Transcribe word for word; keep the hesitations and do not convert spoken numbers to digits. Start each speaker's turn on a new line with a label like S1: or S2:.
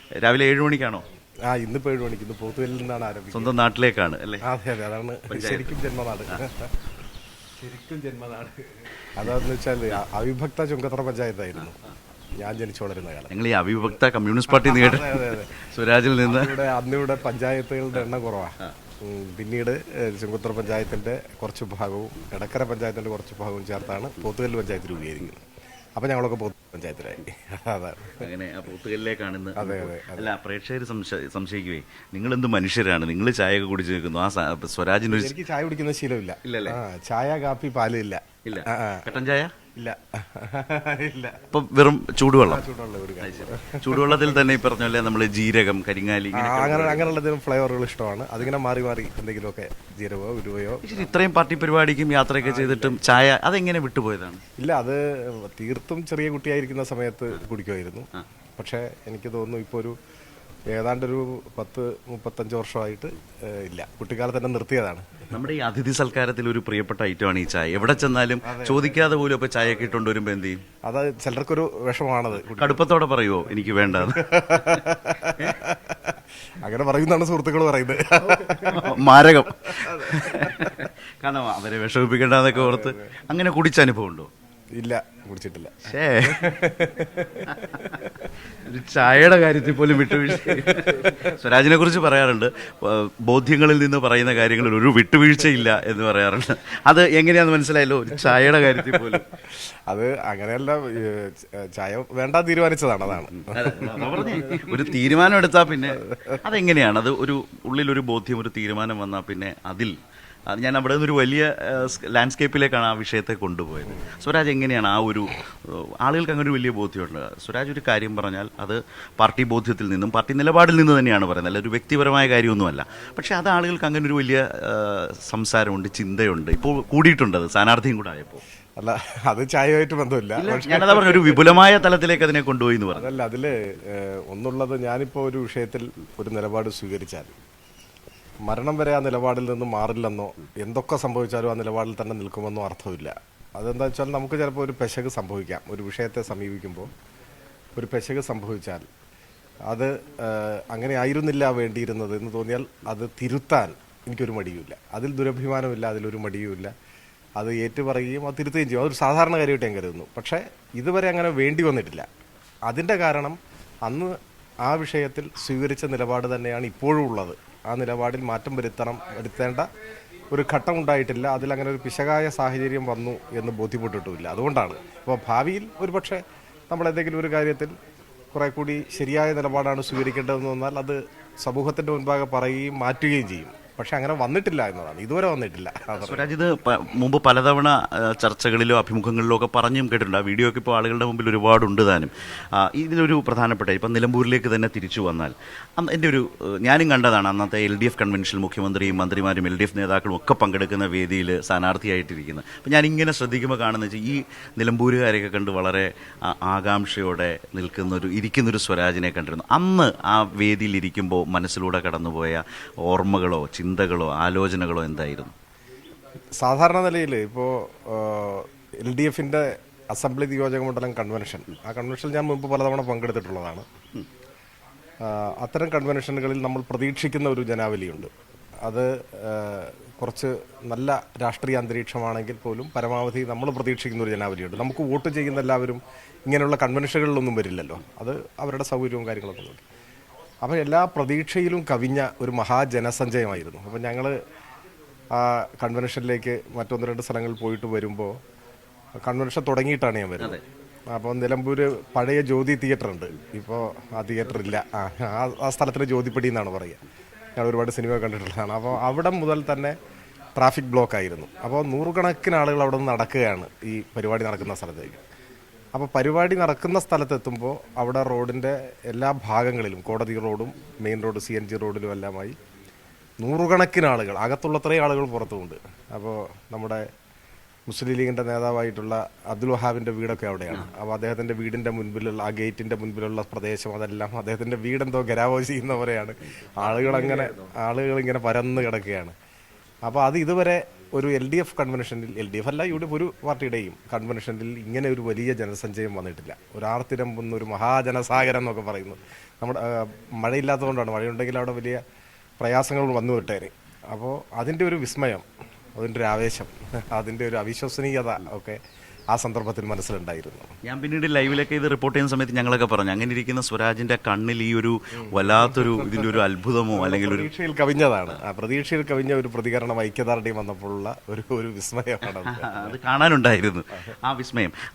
S1: രാവിലെ ഏഴ് മണിക്കാണോ?
S2: ആ ഇന്നിപ്പോൾ ഏഴ് മണിക്ക്. ഇന്ന് പോത്തുകല്ലിൽ നിന്നാണ് ആരംഭിക്കുന്നത്.
S1: സ്വന്തം നാട്ടിലേക്കാണ് അല്ലേ?
S2: അതെ അതെ, അതാണ് ശരിക്കും ജന്മനാട്. ശരിക്കും ജന്മനാട് അതാന്ന് വെച്ചാൽ അവിഭക്ത ചുങ്കത്തറ പഞ്ചായത്തായിരുന്നു ഞാൻ ജനിച്ചു വളരുന്ന കാലം.
S1: ഞങ്ങൾ ഈ അവിഭക്ത കമ്മ്യൂണിസ്റ്റ് പാർട്ടി നേടി സ്വരാജിൽ നിന്ന്
S2: ഇവിടെ അന്നിവിടെ പഞ്ചായത്തുകളുടെ എണ്ണം കുറവാണ്. പിന്നീട് ചുങ്കത്തറ പഞ്ചായത്തിന്റെ കുറച്ച് ഭാഗവും എടക്കര പഞ്ചായത്തിന്റെ കുറച്ച് ഭാഗവും ചേർത്താണ് പോത്തുകല്ല് പഞ്ചായത്ത് രൂപീകരിക്കുന്നത്. അപ്പൊ ഞങ്ങളൊക്കെ പോത്ത് പഞ്ചായത്തിലായി. അതാണ്
S1: അങ്ങനെ ആ പോത്തുകല്ലിലേക്കാണ് ഇന്ന്.
S2: അതെ അതെ.
S1: അല്ല, പ്രേക്ഷകർ സംശയിക്കുവേ, നിങ്ങൾ എന്ത് മനുഷ്യരാണ്, നിങ്ങൾ ചായ ഒക്കെ കുടിച്ച് നിൽക്കുന്നു, ആ സ്വരാജിന്
S2: എനിക്ക് ചായ കുടിക്കുന്ന ശീലമില്ല.
S1: ഇല്ലല്ലേ?
S2: ചായ കാപ്പി പാല് ഇല്ല.
S1: ഇല്ല. കട്ടൻ ചായ
S2: ഇല്ല ഇല്ല.
S1: ഇപ്പൊ വെറും ചൂടുവെള്ളം.
S2: ചൂടുവെള്ളം
S1: ചൂടുവെള്ളത്തിൽ തന്നെ ഈ പറഞ്ഞ പോലെ നമ്മള് ജീരകം, കരിങ്ങാലി,
S2: അങ്ങനെ അങ്ങനെയുള്ള എന്തെങ്കിലും ഫ്ലേവറുകൾ ഇഷ്ടമാണ്. അതിങ്ങനെ മാറി മാറി എന്തെങ്കിലുമൊക്കെ ജീരകമോ ഉരുവയോ.
S1: ഇത്രയും പാർട്ടി പരിപാടിക്കും യാത്രയൊക്കെ ചെയ്തിട്ടും ചായ അതെങ്ങനെ വിട്ടുപോയതാണ്?
S2: ഇല്ല, അത് തീർത്തും ചെറിയ കുട്ടിയായിരിക്കുന്ന സമയത്ത് കുടിക്കുമായിരുന്നു. പക്ഷേ എനിക്ക് തോന്നുന്നു ഇപ്പോൾ ഒരു ഏതാണ്ടൊരു പത്ത് മുപ്പത്തഞ്ച് വർഷമായിട്ട് ഇല്ല. കുട്ടിക്കാലത്ത് തന്നെ നിർത്തിയതാണ്.
S1: നമ്മുടെ ഈ അതിഥി സൽക്കാരത്തിൽ ഒരു പ്രിയപ്പെട്ട ഐറ്റമാണ് ഈ ചായ. എവിടെ ചെന്നാലും ചോദിക്കാതെ പോലും ഇപ്പൊ ചായ ഒക്കെ ഇട്ടുകൊണ്ട് വരുമ്പോ എന്ത് ചെയ്യും?
S2: അത് ചിലർക്കൊരു വിഷമാണത്.
S1: കടുപ്പത്തോടെ പറയുമോ എനിക്ക് വേണ്ടത്?
S2: അങ്ങനെ പറയുന്നതാണ് സുഹൃത്തുക്കൾ പറയുന്നത്.
S1: മാരകം. കാരണം അവരെ വിഷമിപ്പിക്കേണ്ടെന്നൊക്കെ ഓർത്ത് അങ്ങനെ കുടിച്ച അനുഭവം ഉണ്ടോ?
S2: ഇല്ല, കുടിച്ചിട്ടില്ല.
S1: ഒരു ചായയുടെ കാര്യത്തിൽ പോലും വിട്ടുവീഴ്ച. സ്വരാജിനെ കുറിച്ച് പറയാറുണ്ട്, ബോധ്യങ്ങളിൽ നിന്ന് പറയുന്ന കാര്യങ്ങളിൽ ഒരു വിട്ടുവീഴ്ചയില്ല എന്ന് പറയാറുണ്ട്. അത് എങ്ങനെയാന്ന് മനസ്സിലായല്ലോ, ഒരു ചായയുടെ കാര്യത്തിൽ പോലും.
S2: അത് അങ്ങനെയല്ല, ചായ വേണ്ട തീരുമാനിച്ചതാണ്. അതാണ്
S1: പറഞ്ഞേ. ഒരു തീരുമാനം എടുത്താൽ പിന്നെ അതെങ്ങനെയാണ്? അത് ഒരു ഉള്ളിലൊരു ബോധ്യം, ഒരു തീരുമാനം വന്നാൽ പിന്നെ അതിൽ ഞാൻ അവിടെ നിന്നൊരു വലിയ ലാൻഡ്സ്കേപ്പിലേക്കാണ് ആ വിഷയത്തെ കൊണ്ടുപോയത്. സ്വരാജ് എങ്ങനെയാണ് ആ ഒരു ആളുകൾക്ക് അങ്ങനെ ഒരു വലിയ ബോധ്യമുണ്ട്? സ്വരാജ് ഒരു കാര്യം പറഞ്ഞാൽ അത് പാർട്ടി ബോധ്യത്തിൽ നിന്നും പാർട്ടി നിലപാടിൽ നിന്ന് തന്നെയാണ് പറയുന്നത്, അല്ല ഒരു വ്യക്തിപരമായ കാര്യമൊന്നുമല്ല. പക്ഷേ അത് ആളുകൾക്ക് അങ്ങനെ ഒരു വലിയ സംസാരമുണ്ട്, ചിന്തയുണ്ട്. ഇപ്പോൾ കൂടിയിട്ടുണ്ട്, അത് സ്ഥാനാർത്ഥിയും കൂടെ ആയപ്പോൾ.
S2: അല്ല, അത് ചായയായിട്ട് ബന്ധമില്ല.
S1: ഞാനതാ പറഞ്ഞ ഒരു വിപുലമായ തലത്തിലേക്ക് അതിനെ കൊണ്ടുപോയി എന്ന് പറഞ്ഞു.
S2: അതല്ല, അതില് ഒന്നുള്ളത്, ഞാനിപ്പോൾ ഒരു വിഷയത്തിൽ ഒരു നിലപാട് സ്വീകരിച്ചാൽ മരണം വരെ ആ നിലപാടിൽ നിന്ന് മാറില്ലെന്നോ എന്തൊക്കെ സംഭവിച്ചാലും ആ നിലപാടിൽ തന്നെ നിൽക്കുമെന്നോ അർത്ഥമില്ല. അതെന്താ വെച്ചാൽ നമുക്ക് ചിലപ്പോൾ ഒരു പെശക് സംഭവിക്കാം. ഒരു വിഷയത്തെ സമീപിക്കുമ്പോൾ ഒരു പെശക് സംഭവിച്ചാൽ അത് അങ്ങനെ ആയിരുന്നില്ല വേണ്ടിയിരുന്നത് എന്ന് തോന്നിയാൽ അത് തിരുത്താൻ എനിക്കൊരു മടിയുമില്ല. അതിൽ ദുരഭിമാനമില്ല, അതിലൊരു മടിയുമില്ല. അത് ഏറ്റുപറയുകയും അത് തിരുത്തുകയും ചെയ്യും. അതൊരു സാധാരണ കാര്യമായിട്ട് ഞാൻ കരുതുന്നു. പക്ഷേ ഇതുവരെ അങ്ങനെ വേണ്ടി വന്നിട്ടില്ല. അതിൻ്റെ കാരണം അന്ന് ആ വിഷയത്തിൽ സ്വീകരിച്ച നിലപാട് തന്നെയാണ് ഇപ്പോഴും ഉള്ളത്. ആ നിലപാടിൽ മാറ്റം വരുത്തണം വരുത്തേണ്ട ഒരു ഘട്ടം ഉണ്ടായിട്ടില്ല. അതിലങ്ങനെ ഒരു പിശകായ സാഹചര്യം വന്നു എന്ന് ബോധ്യപ്പെട്ടിട്ടുമില്ല. അതുകൊണ്ടാണ് അപ്പോൾ ഭാവിയിൽ ഒരു പക്ഷേ നമ്മൾ എന്തെങ്കിലും ഒരു കാര്യത്തിൽ കുറെ കൂടി ശരിയായ നിലപാടാണ് സ്വീകരിക്കേണ്ടതെന്ന് വന്നാൽ അത് സമൂഹത്തിൻ്റെ മുൻപാകെ പറയുകയും മാറ്റുകയും ചെയ്യും. പക്ഷെ അങ്ങനെ വന്നിട്ടില്ല എന്നതാണ്, ഇതുവരെ വന്നിട്ടില്ല.
S1: സ്വരാജ് ഇത് മുമ്പ് പലതവണ ചർച്ചകളിലോ അഭിമുഖങ്ങളിലോ ഒക്കെ പറഞ്ഞും കേട്ടിട്ടുണ്ട്. ആ വീഡിയോ ഒക്കെ ഇപ്പോൾ ആളുകളുടെ മുമ്പിൽ ഒരുപാടുണ്ട് താനും. ഇതിലൊരു പ്രധാനപ്പെട്ട ഇപ്പം നിലമ്പൂരിലേക്ക് തന്നെ തിരിച്ചു വന്നാൽ എൻ്റെ ഒരു ഞാനും കണ്ടതാണ് അന്നത്തെ എൽ ഡി എഫ് കൺവെൻഷനിൽ മുഖ്യമന്ത്രിയും മന്ത്രിമാരും എൽ ഡി എഫ് നേതാക്കളും ഒക്കെ പങ്കെടുക്കുന്ന വേദിയിൽ സ്ഥാനാർത്ഥിയായിട്ടിരിക്കുന്നത്. അപ്പം ഞാനിങ്ങനെ ശ്രദ്ധിക്കുമ്പോൾ കാണുന്ന വെച്ചാൽ ഈ നിലമ്പൂരുകാരെയൊക്കെ കണ്ട് വളരെ ആകാംക്ഷയോടെ നിൽക്കുന്നൊരു ഇരിക്കുന്നൊരു സ്വരാജിനെ കണ്ടിരുന്നു. അന്ന് ആ വേദിയിൽ ഇരിക്കുമ്പോൾ മനസ്സിലൂടെ കടന്നുപോയ ഓർമ്മകളോ ചിന്തകളോ ആലോചനകളോ എന്തായിരുന്നു?
S2: സാധാരണ നിലയിൽ ഇപ്പോൾ എൽ ഡി എഫിൻ്റെ അസംബ്ലി നിയോജക മണ്ഡലം കൺവെൻഷൻ, ആ കൺവെൻഷനിൽ ഞാൻ മുമ്പ് പലതവണ പങ്കെടുത്തിട്ടുള്ളതാണ്. അത്തരം കൺവെൻഷനുകളിൽ നമ്മൾ പ്രതീക്ഷിക്കുന്ന ഒരു ജനാവലിയുണ്ട്. അത് കുറച്ച് നല്ല രാഷ്ട്രീയ അന്തരീക്ഷമാണെങ്കിൽ പോലും പരമാവധി നമ്മൾ പ്രതീക്ഷിക്കുന്ന ഒരു ജനാവലിയുണ്ട്. നമുക്ക് വോട്ട് ചെയ്യുന്ന എല്ലാവരും ഇങ്ങനെയുള്ള കൺവെൻഷനുകളിലൊന്നും വരില്ലല്ലോ. അത് അവരുടെ സൗകര്യവും കാര്യങ്ങളൊക്കെ നോക്കി. അപ്പോൾ എല്ലാ പ്രതീക്ഷയിലും കവിഞ്ഞ ഒരു മഹാജനസഞ്ചയമായിരുന്നു. അപ്പം ഞങ്ങൾ ആ കൺവെൻഷനിലേക്ക് മറ്റൊന്ന് രണ്ട് സ്ഥലങ്ങളിൽ പോയിട്ട് വരുമ്പോൾ കൺവെൻഷൻ തുടങ്ങിയിട്ടാണ് ഞാൻ വരുന്നത്. അപ്പോൾ നിലമ്പൂർ പഴയ ജ്യോതി തിയേറ്റർ ഉണ്ട്, ഇപ്പോൾ ആ തിയേറ്റർ ഇല്ല. ആ ആ സ്ഥലത്തിന് ജ്യോതിപ്പടി എന്നാണ് പറയുക. ഞാൻ ഒരുപാട് സിനിമ കണ്ടിട്ടുള്ളതാണ്. അപ്പോൾ അവിടെ മുതൽ തന്നെ ട്രാഫിക് ബ്ലോക്ക് ആയിരുന്നു. അപ്പോൾ നൂറുകണക്കിന് ആളുകൾ അവിടെ നിന്ന് നടക്കുകയാണ് ഈ പരിപാടി നടക്കുന്ന സ്ഥലത്തേക്ക്. അപ്പോൾ പരിപാടി നടക്കുന്ന സ്ഥലത്തെത്തുമ്പോൾ അവിടെ റോഡിൻ്റെ എല്ലാ ഭാഗങ്ങളിലും, കോടതി റോഡും main road C N G റോഡിലും എല്ലാമായി നൂറുകണക്കിന് ആളുകൾ, അകത്തുള്ളത്രയും ആളുകൾ പുറത്തുമുണ്ട്. അപ്പോൾ നമ്മുടെ മുസ്ലിം ലീഗിൻ്റെ നേതാവായിട്ടുള്ള അബ്ദുൽ വഹാബിൻ്റെ വീടൊക്കെ അവിടെയാണ്. അപ്പോൾ അദ്ദേഹത്തിൻ്റെ വീടിൻ്റെ മുൻപിലുള്ള ആ ഗേറ്റിൻ്റെ മുൻപിലുള്ള പ്രദേശം അതെല്ലാം അദ്ദേഹത്തിൻ്റെ വീടെന്തോ ഗരാവോ ചെയ്യുന്ന പോലെയാണ്. ആളുകളങ്ങനെ ആളുകളിങ്ങനെ പരന്ന് കിടക്കുകയാണ്. അപ്പോൾ അത് ഇതുവരെ ഒരു എൽ ഡി എഫ് കൺവെൻഷനിൽ, എൽ ഡി എഫ് അല്ല യു ഡി എഫ് ഒരു പാർട്ടിയുടെയും കൺവെൻഷനിൽ ഇങ്ങനെ ഒരു വലിയ ജനസഞ്ചയം വന്നിട്ടില്ല. ഒരാർത്തിരമ്പുന്ന ഒരു മഹാജനസാഗരം എന്നൊക്കെ പറയുന്നത്. നമ്മുടെ ആ, മഴയില്ലാത്തതുകൊണ്ടാണ്. മഴയുണ്ടെങ്കിൽ അവിടെ വലിയ പ്രയാസങ്ങൾ വന്നു വിട്ടേനെ. അപ്പോൾ അതിൻ്റെ ഒരു വിസ്മയം, അതിൻ്റെ ഒരു ആവേശം, അതിൻ്റെ ഒരു അവിശ്വസനീയത ഒക്കെ ആ സന്ദർഭത്തിൽ മനസ്സിലുണ്ടായിരുന്നു.
S1: ഞാൻ പിന്നീട് ലൈവിലൊക്കെ ഇത് റിപ്പോർട്ട് ചെയ്യുന്ന സമയത്ത് ഞങ്ങളൊക്കെ പറഞ്ഞു, അങ്ങനെ ഇരിക്കുന്ന സ്വരാജിന്റെ കണ്ണിൽ ഈ ഒരു വല്ലാത്തൊരു ഇതിൻ്റെ ഒരു അത്ഭുതമോ അല്ലെങ്കിൽ ഒരു
S2: പ്രതീക്ഷയിൽ കവിഞ്ഞതാണ്. ആ പ്രതീക്ഷയിൽ കവിഞ്ഞ ഒരു പ്രതികരണം ഐക്യദാർഢ്യം വന്നപ്പോഴുള്ള ഒരു ഒരു വിസ്മയമാണ് അത്.
S1: അത് കാണാനുണ്ടായിരുന്നു ആ വിസ്മയം.